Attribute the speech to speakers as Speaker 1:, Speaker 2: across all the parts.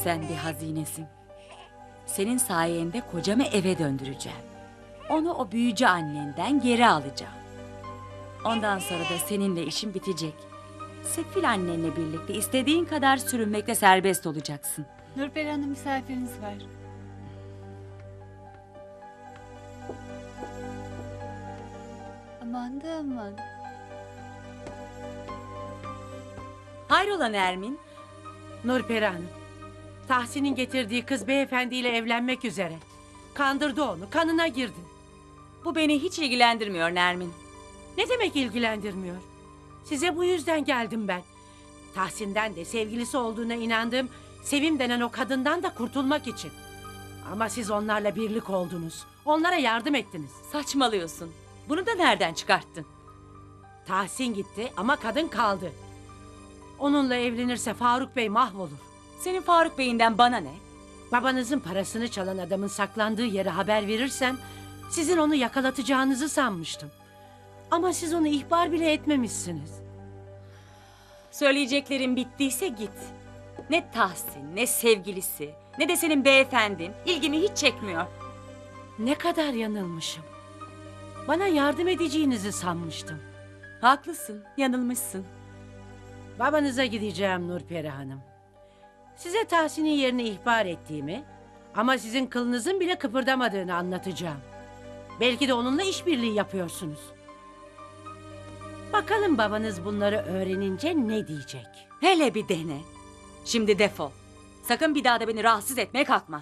Speaker 1: Sen bir hazinesin. Senin sayende kocamı eve döndüreceğim. Onu o büyücü annenden geri alacağım. Ondan sonra da seninle işim bitecek. Sefil annenle birlikte istediğin kadar sürünmekle serbest olacaksın.
Speaker 2: Nurperi Hanım, misafiriniz var. Aman da aman.
Speaker 1: Hayrola Nermin?
Speaker 3: Nurperi Hanım, Tahsin'in getirdiği kız beyefendiyle evlenmek üzere. Kandırdı onu, kanına girdi.
Speaker 1: Bu beni hiç ilgilendirmiyor Nermin.
Speaker 3: Ne demek ilgilendirmiyor? Size bu yüzden geldim ben. Tahsin'den de sevgilisi olduğuna inandığım Sevim denen o kadından da kurtulmak için. Ama siz onlarla birlik oldunuz. Onlara yardım ettiniz.
Speaker 1: Saçmalıyorsun. Bunu da nereden çıkarttın?
Speaker 3: Tahsin gitti ama kadın kaldı. Onunla evlenirse Faruk Bey mahvolur.
Speaker 1: Senin Faruk Bey'inden bana ne?
Speaker 3: Babanızın parasını çalan adamın saklandığı yere haber verirsem sizin onu yakalatacağınızı sanmıştım. Ama siz onu ihbar bile etmemişsiniz.
Speaker 1: Söyleyeceklerin bittiyse git. Ne Tahsin, ne sevgilisi, ne de senin beyefendin ilgimi hiç çekmiyor.
Speaker 3: Ne kadar yanılmışım. Bana yardım edeceğinizi sanmıştım.
Speaker 1: Haklısın, yanılmışsın.
Speaker 3: Babanıza gideceğim Nurperi Hanım. Size Tahsin'in yerini ihbar ettiğimi ama sizin kılınızın bile kıpırdamadığını anlatacağım. Belki de onunla işbirliği yapıyorsunuz. Bakalım babanız bunları öğrenince ne diyecek?
Speaker 1: Hele bir dene. Şimdi defol. Sakın bir daha da beni rahatsız etmeye kalkma.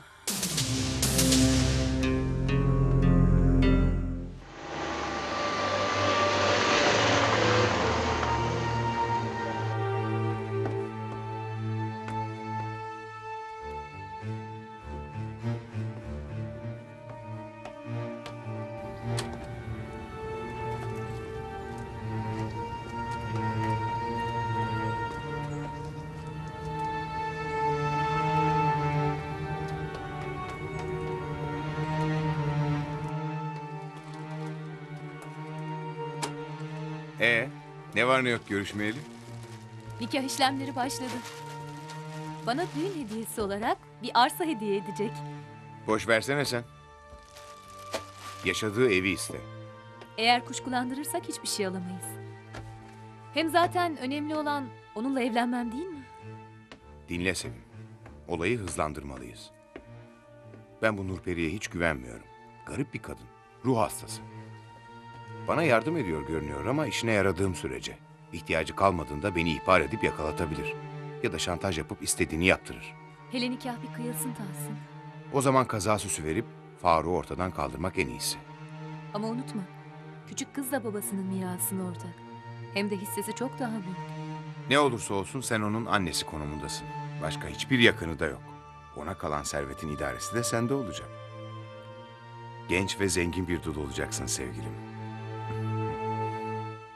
Speaker 4: Ne var ne yok görüşmeyeli?
Speaker 2: Nikah işlemleri başladı. Bana düğün hediyesi olarak bir arsa hediye edecek.
Speaker 4: Boş versene sen. Yaşadığı evi iste.
Speaker 2: Eğer kuşkulandırırsak hiçbir şey alamayız. Hem zaten önemli olan onunla evlenmem değil mi?
Speaker 4: Dinle Sevim. Olayı hızlandırmalıyız. Ben bu Nurperi'ye hiç güvenmiyorum. Garip bir kadın. Ruh hastası. Bana yardım ediyor görünüyor ama işine yaradığım sürece. İhtiyacı kalmadığında beni ihbar edip yakalatabilir. Ya da şantaj yapıp istediğini yaptırır.
Speaker 2: Hele nikah bir kıyılsın Tahsin.
Speaker 4: O zaman kaza süsü verip Faruk'u ortadan kaldırmak en iyisi.
Speaker 2: Ama unutma, küçük kız da babasının mirasını ortak. Hem de hissesi çok daha büyük.
Speaker 4: Ne olursa olsun sen onun annesi konumundasın. Başka hiçbir yakını da yok. Ona kalan servetin idaresi de sende olacak. Genç ve zengin bir dul olacaksın sevgilim.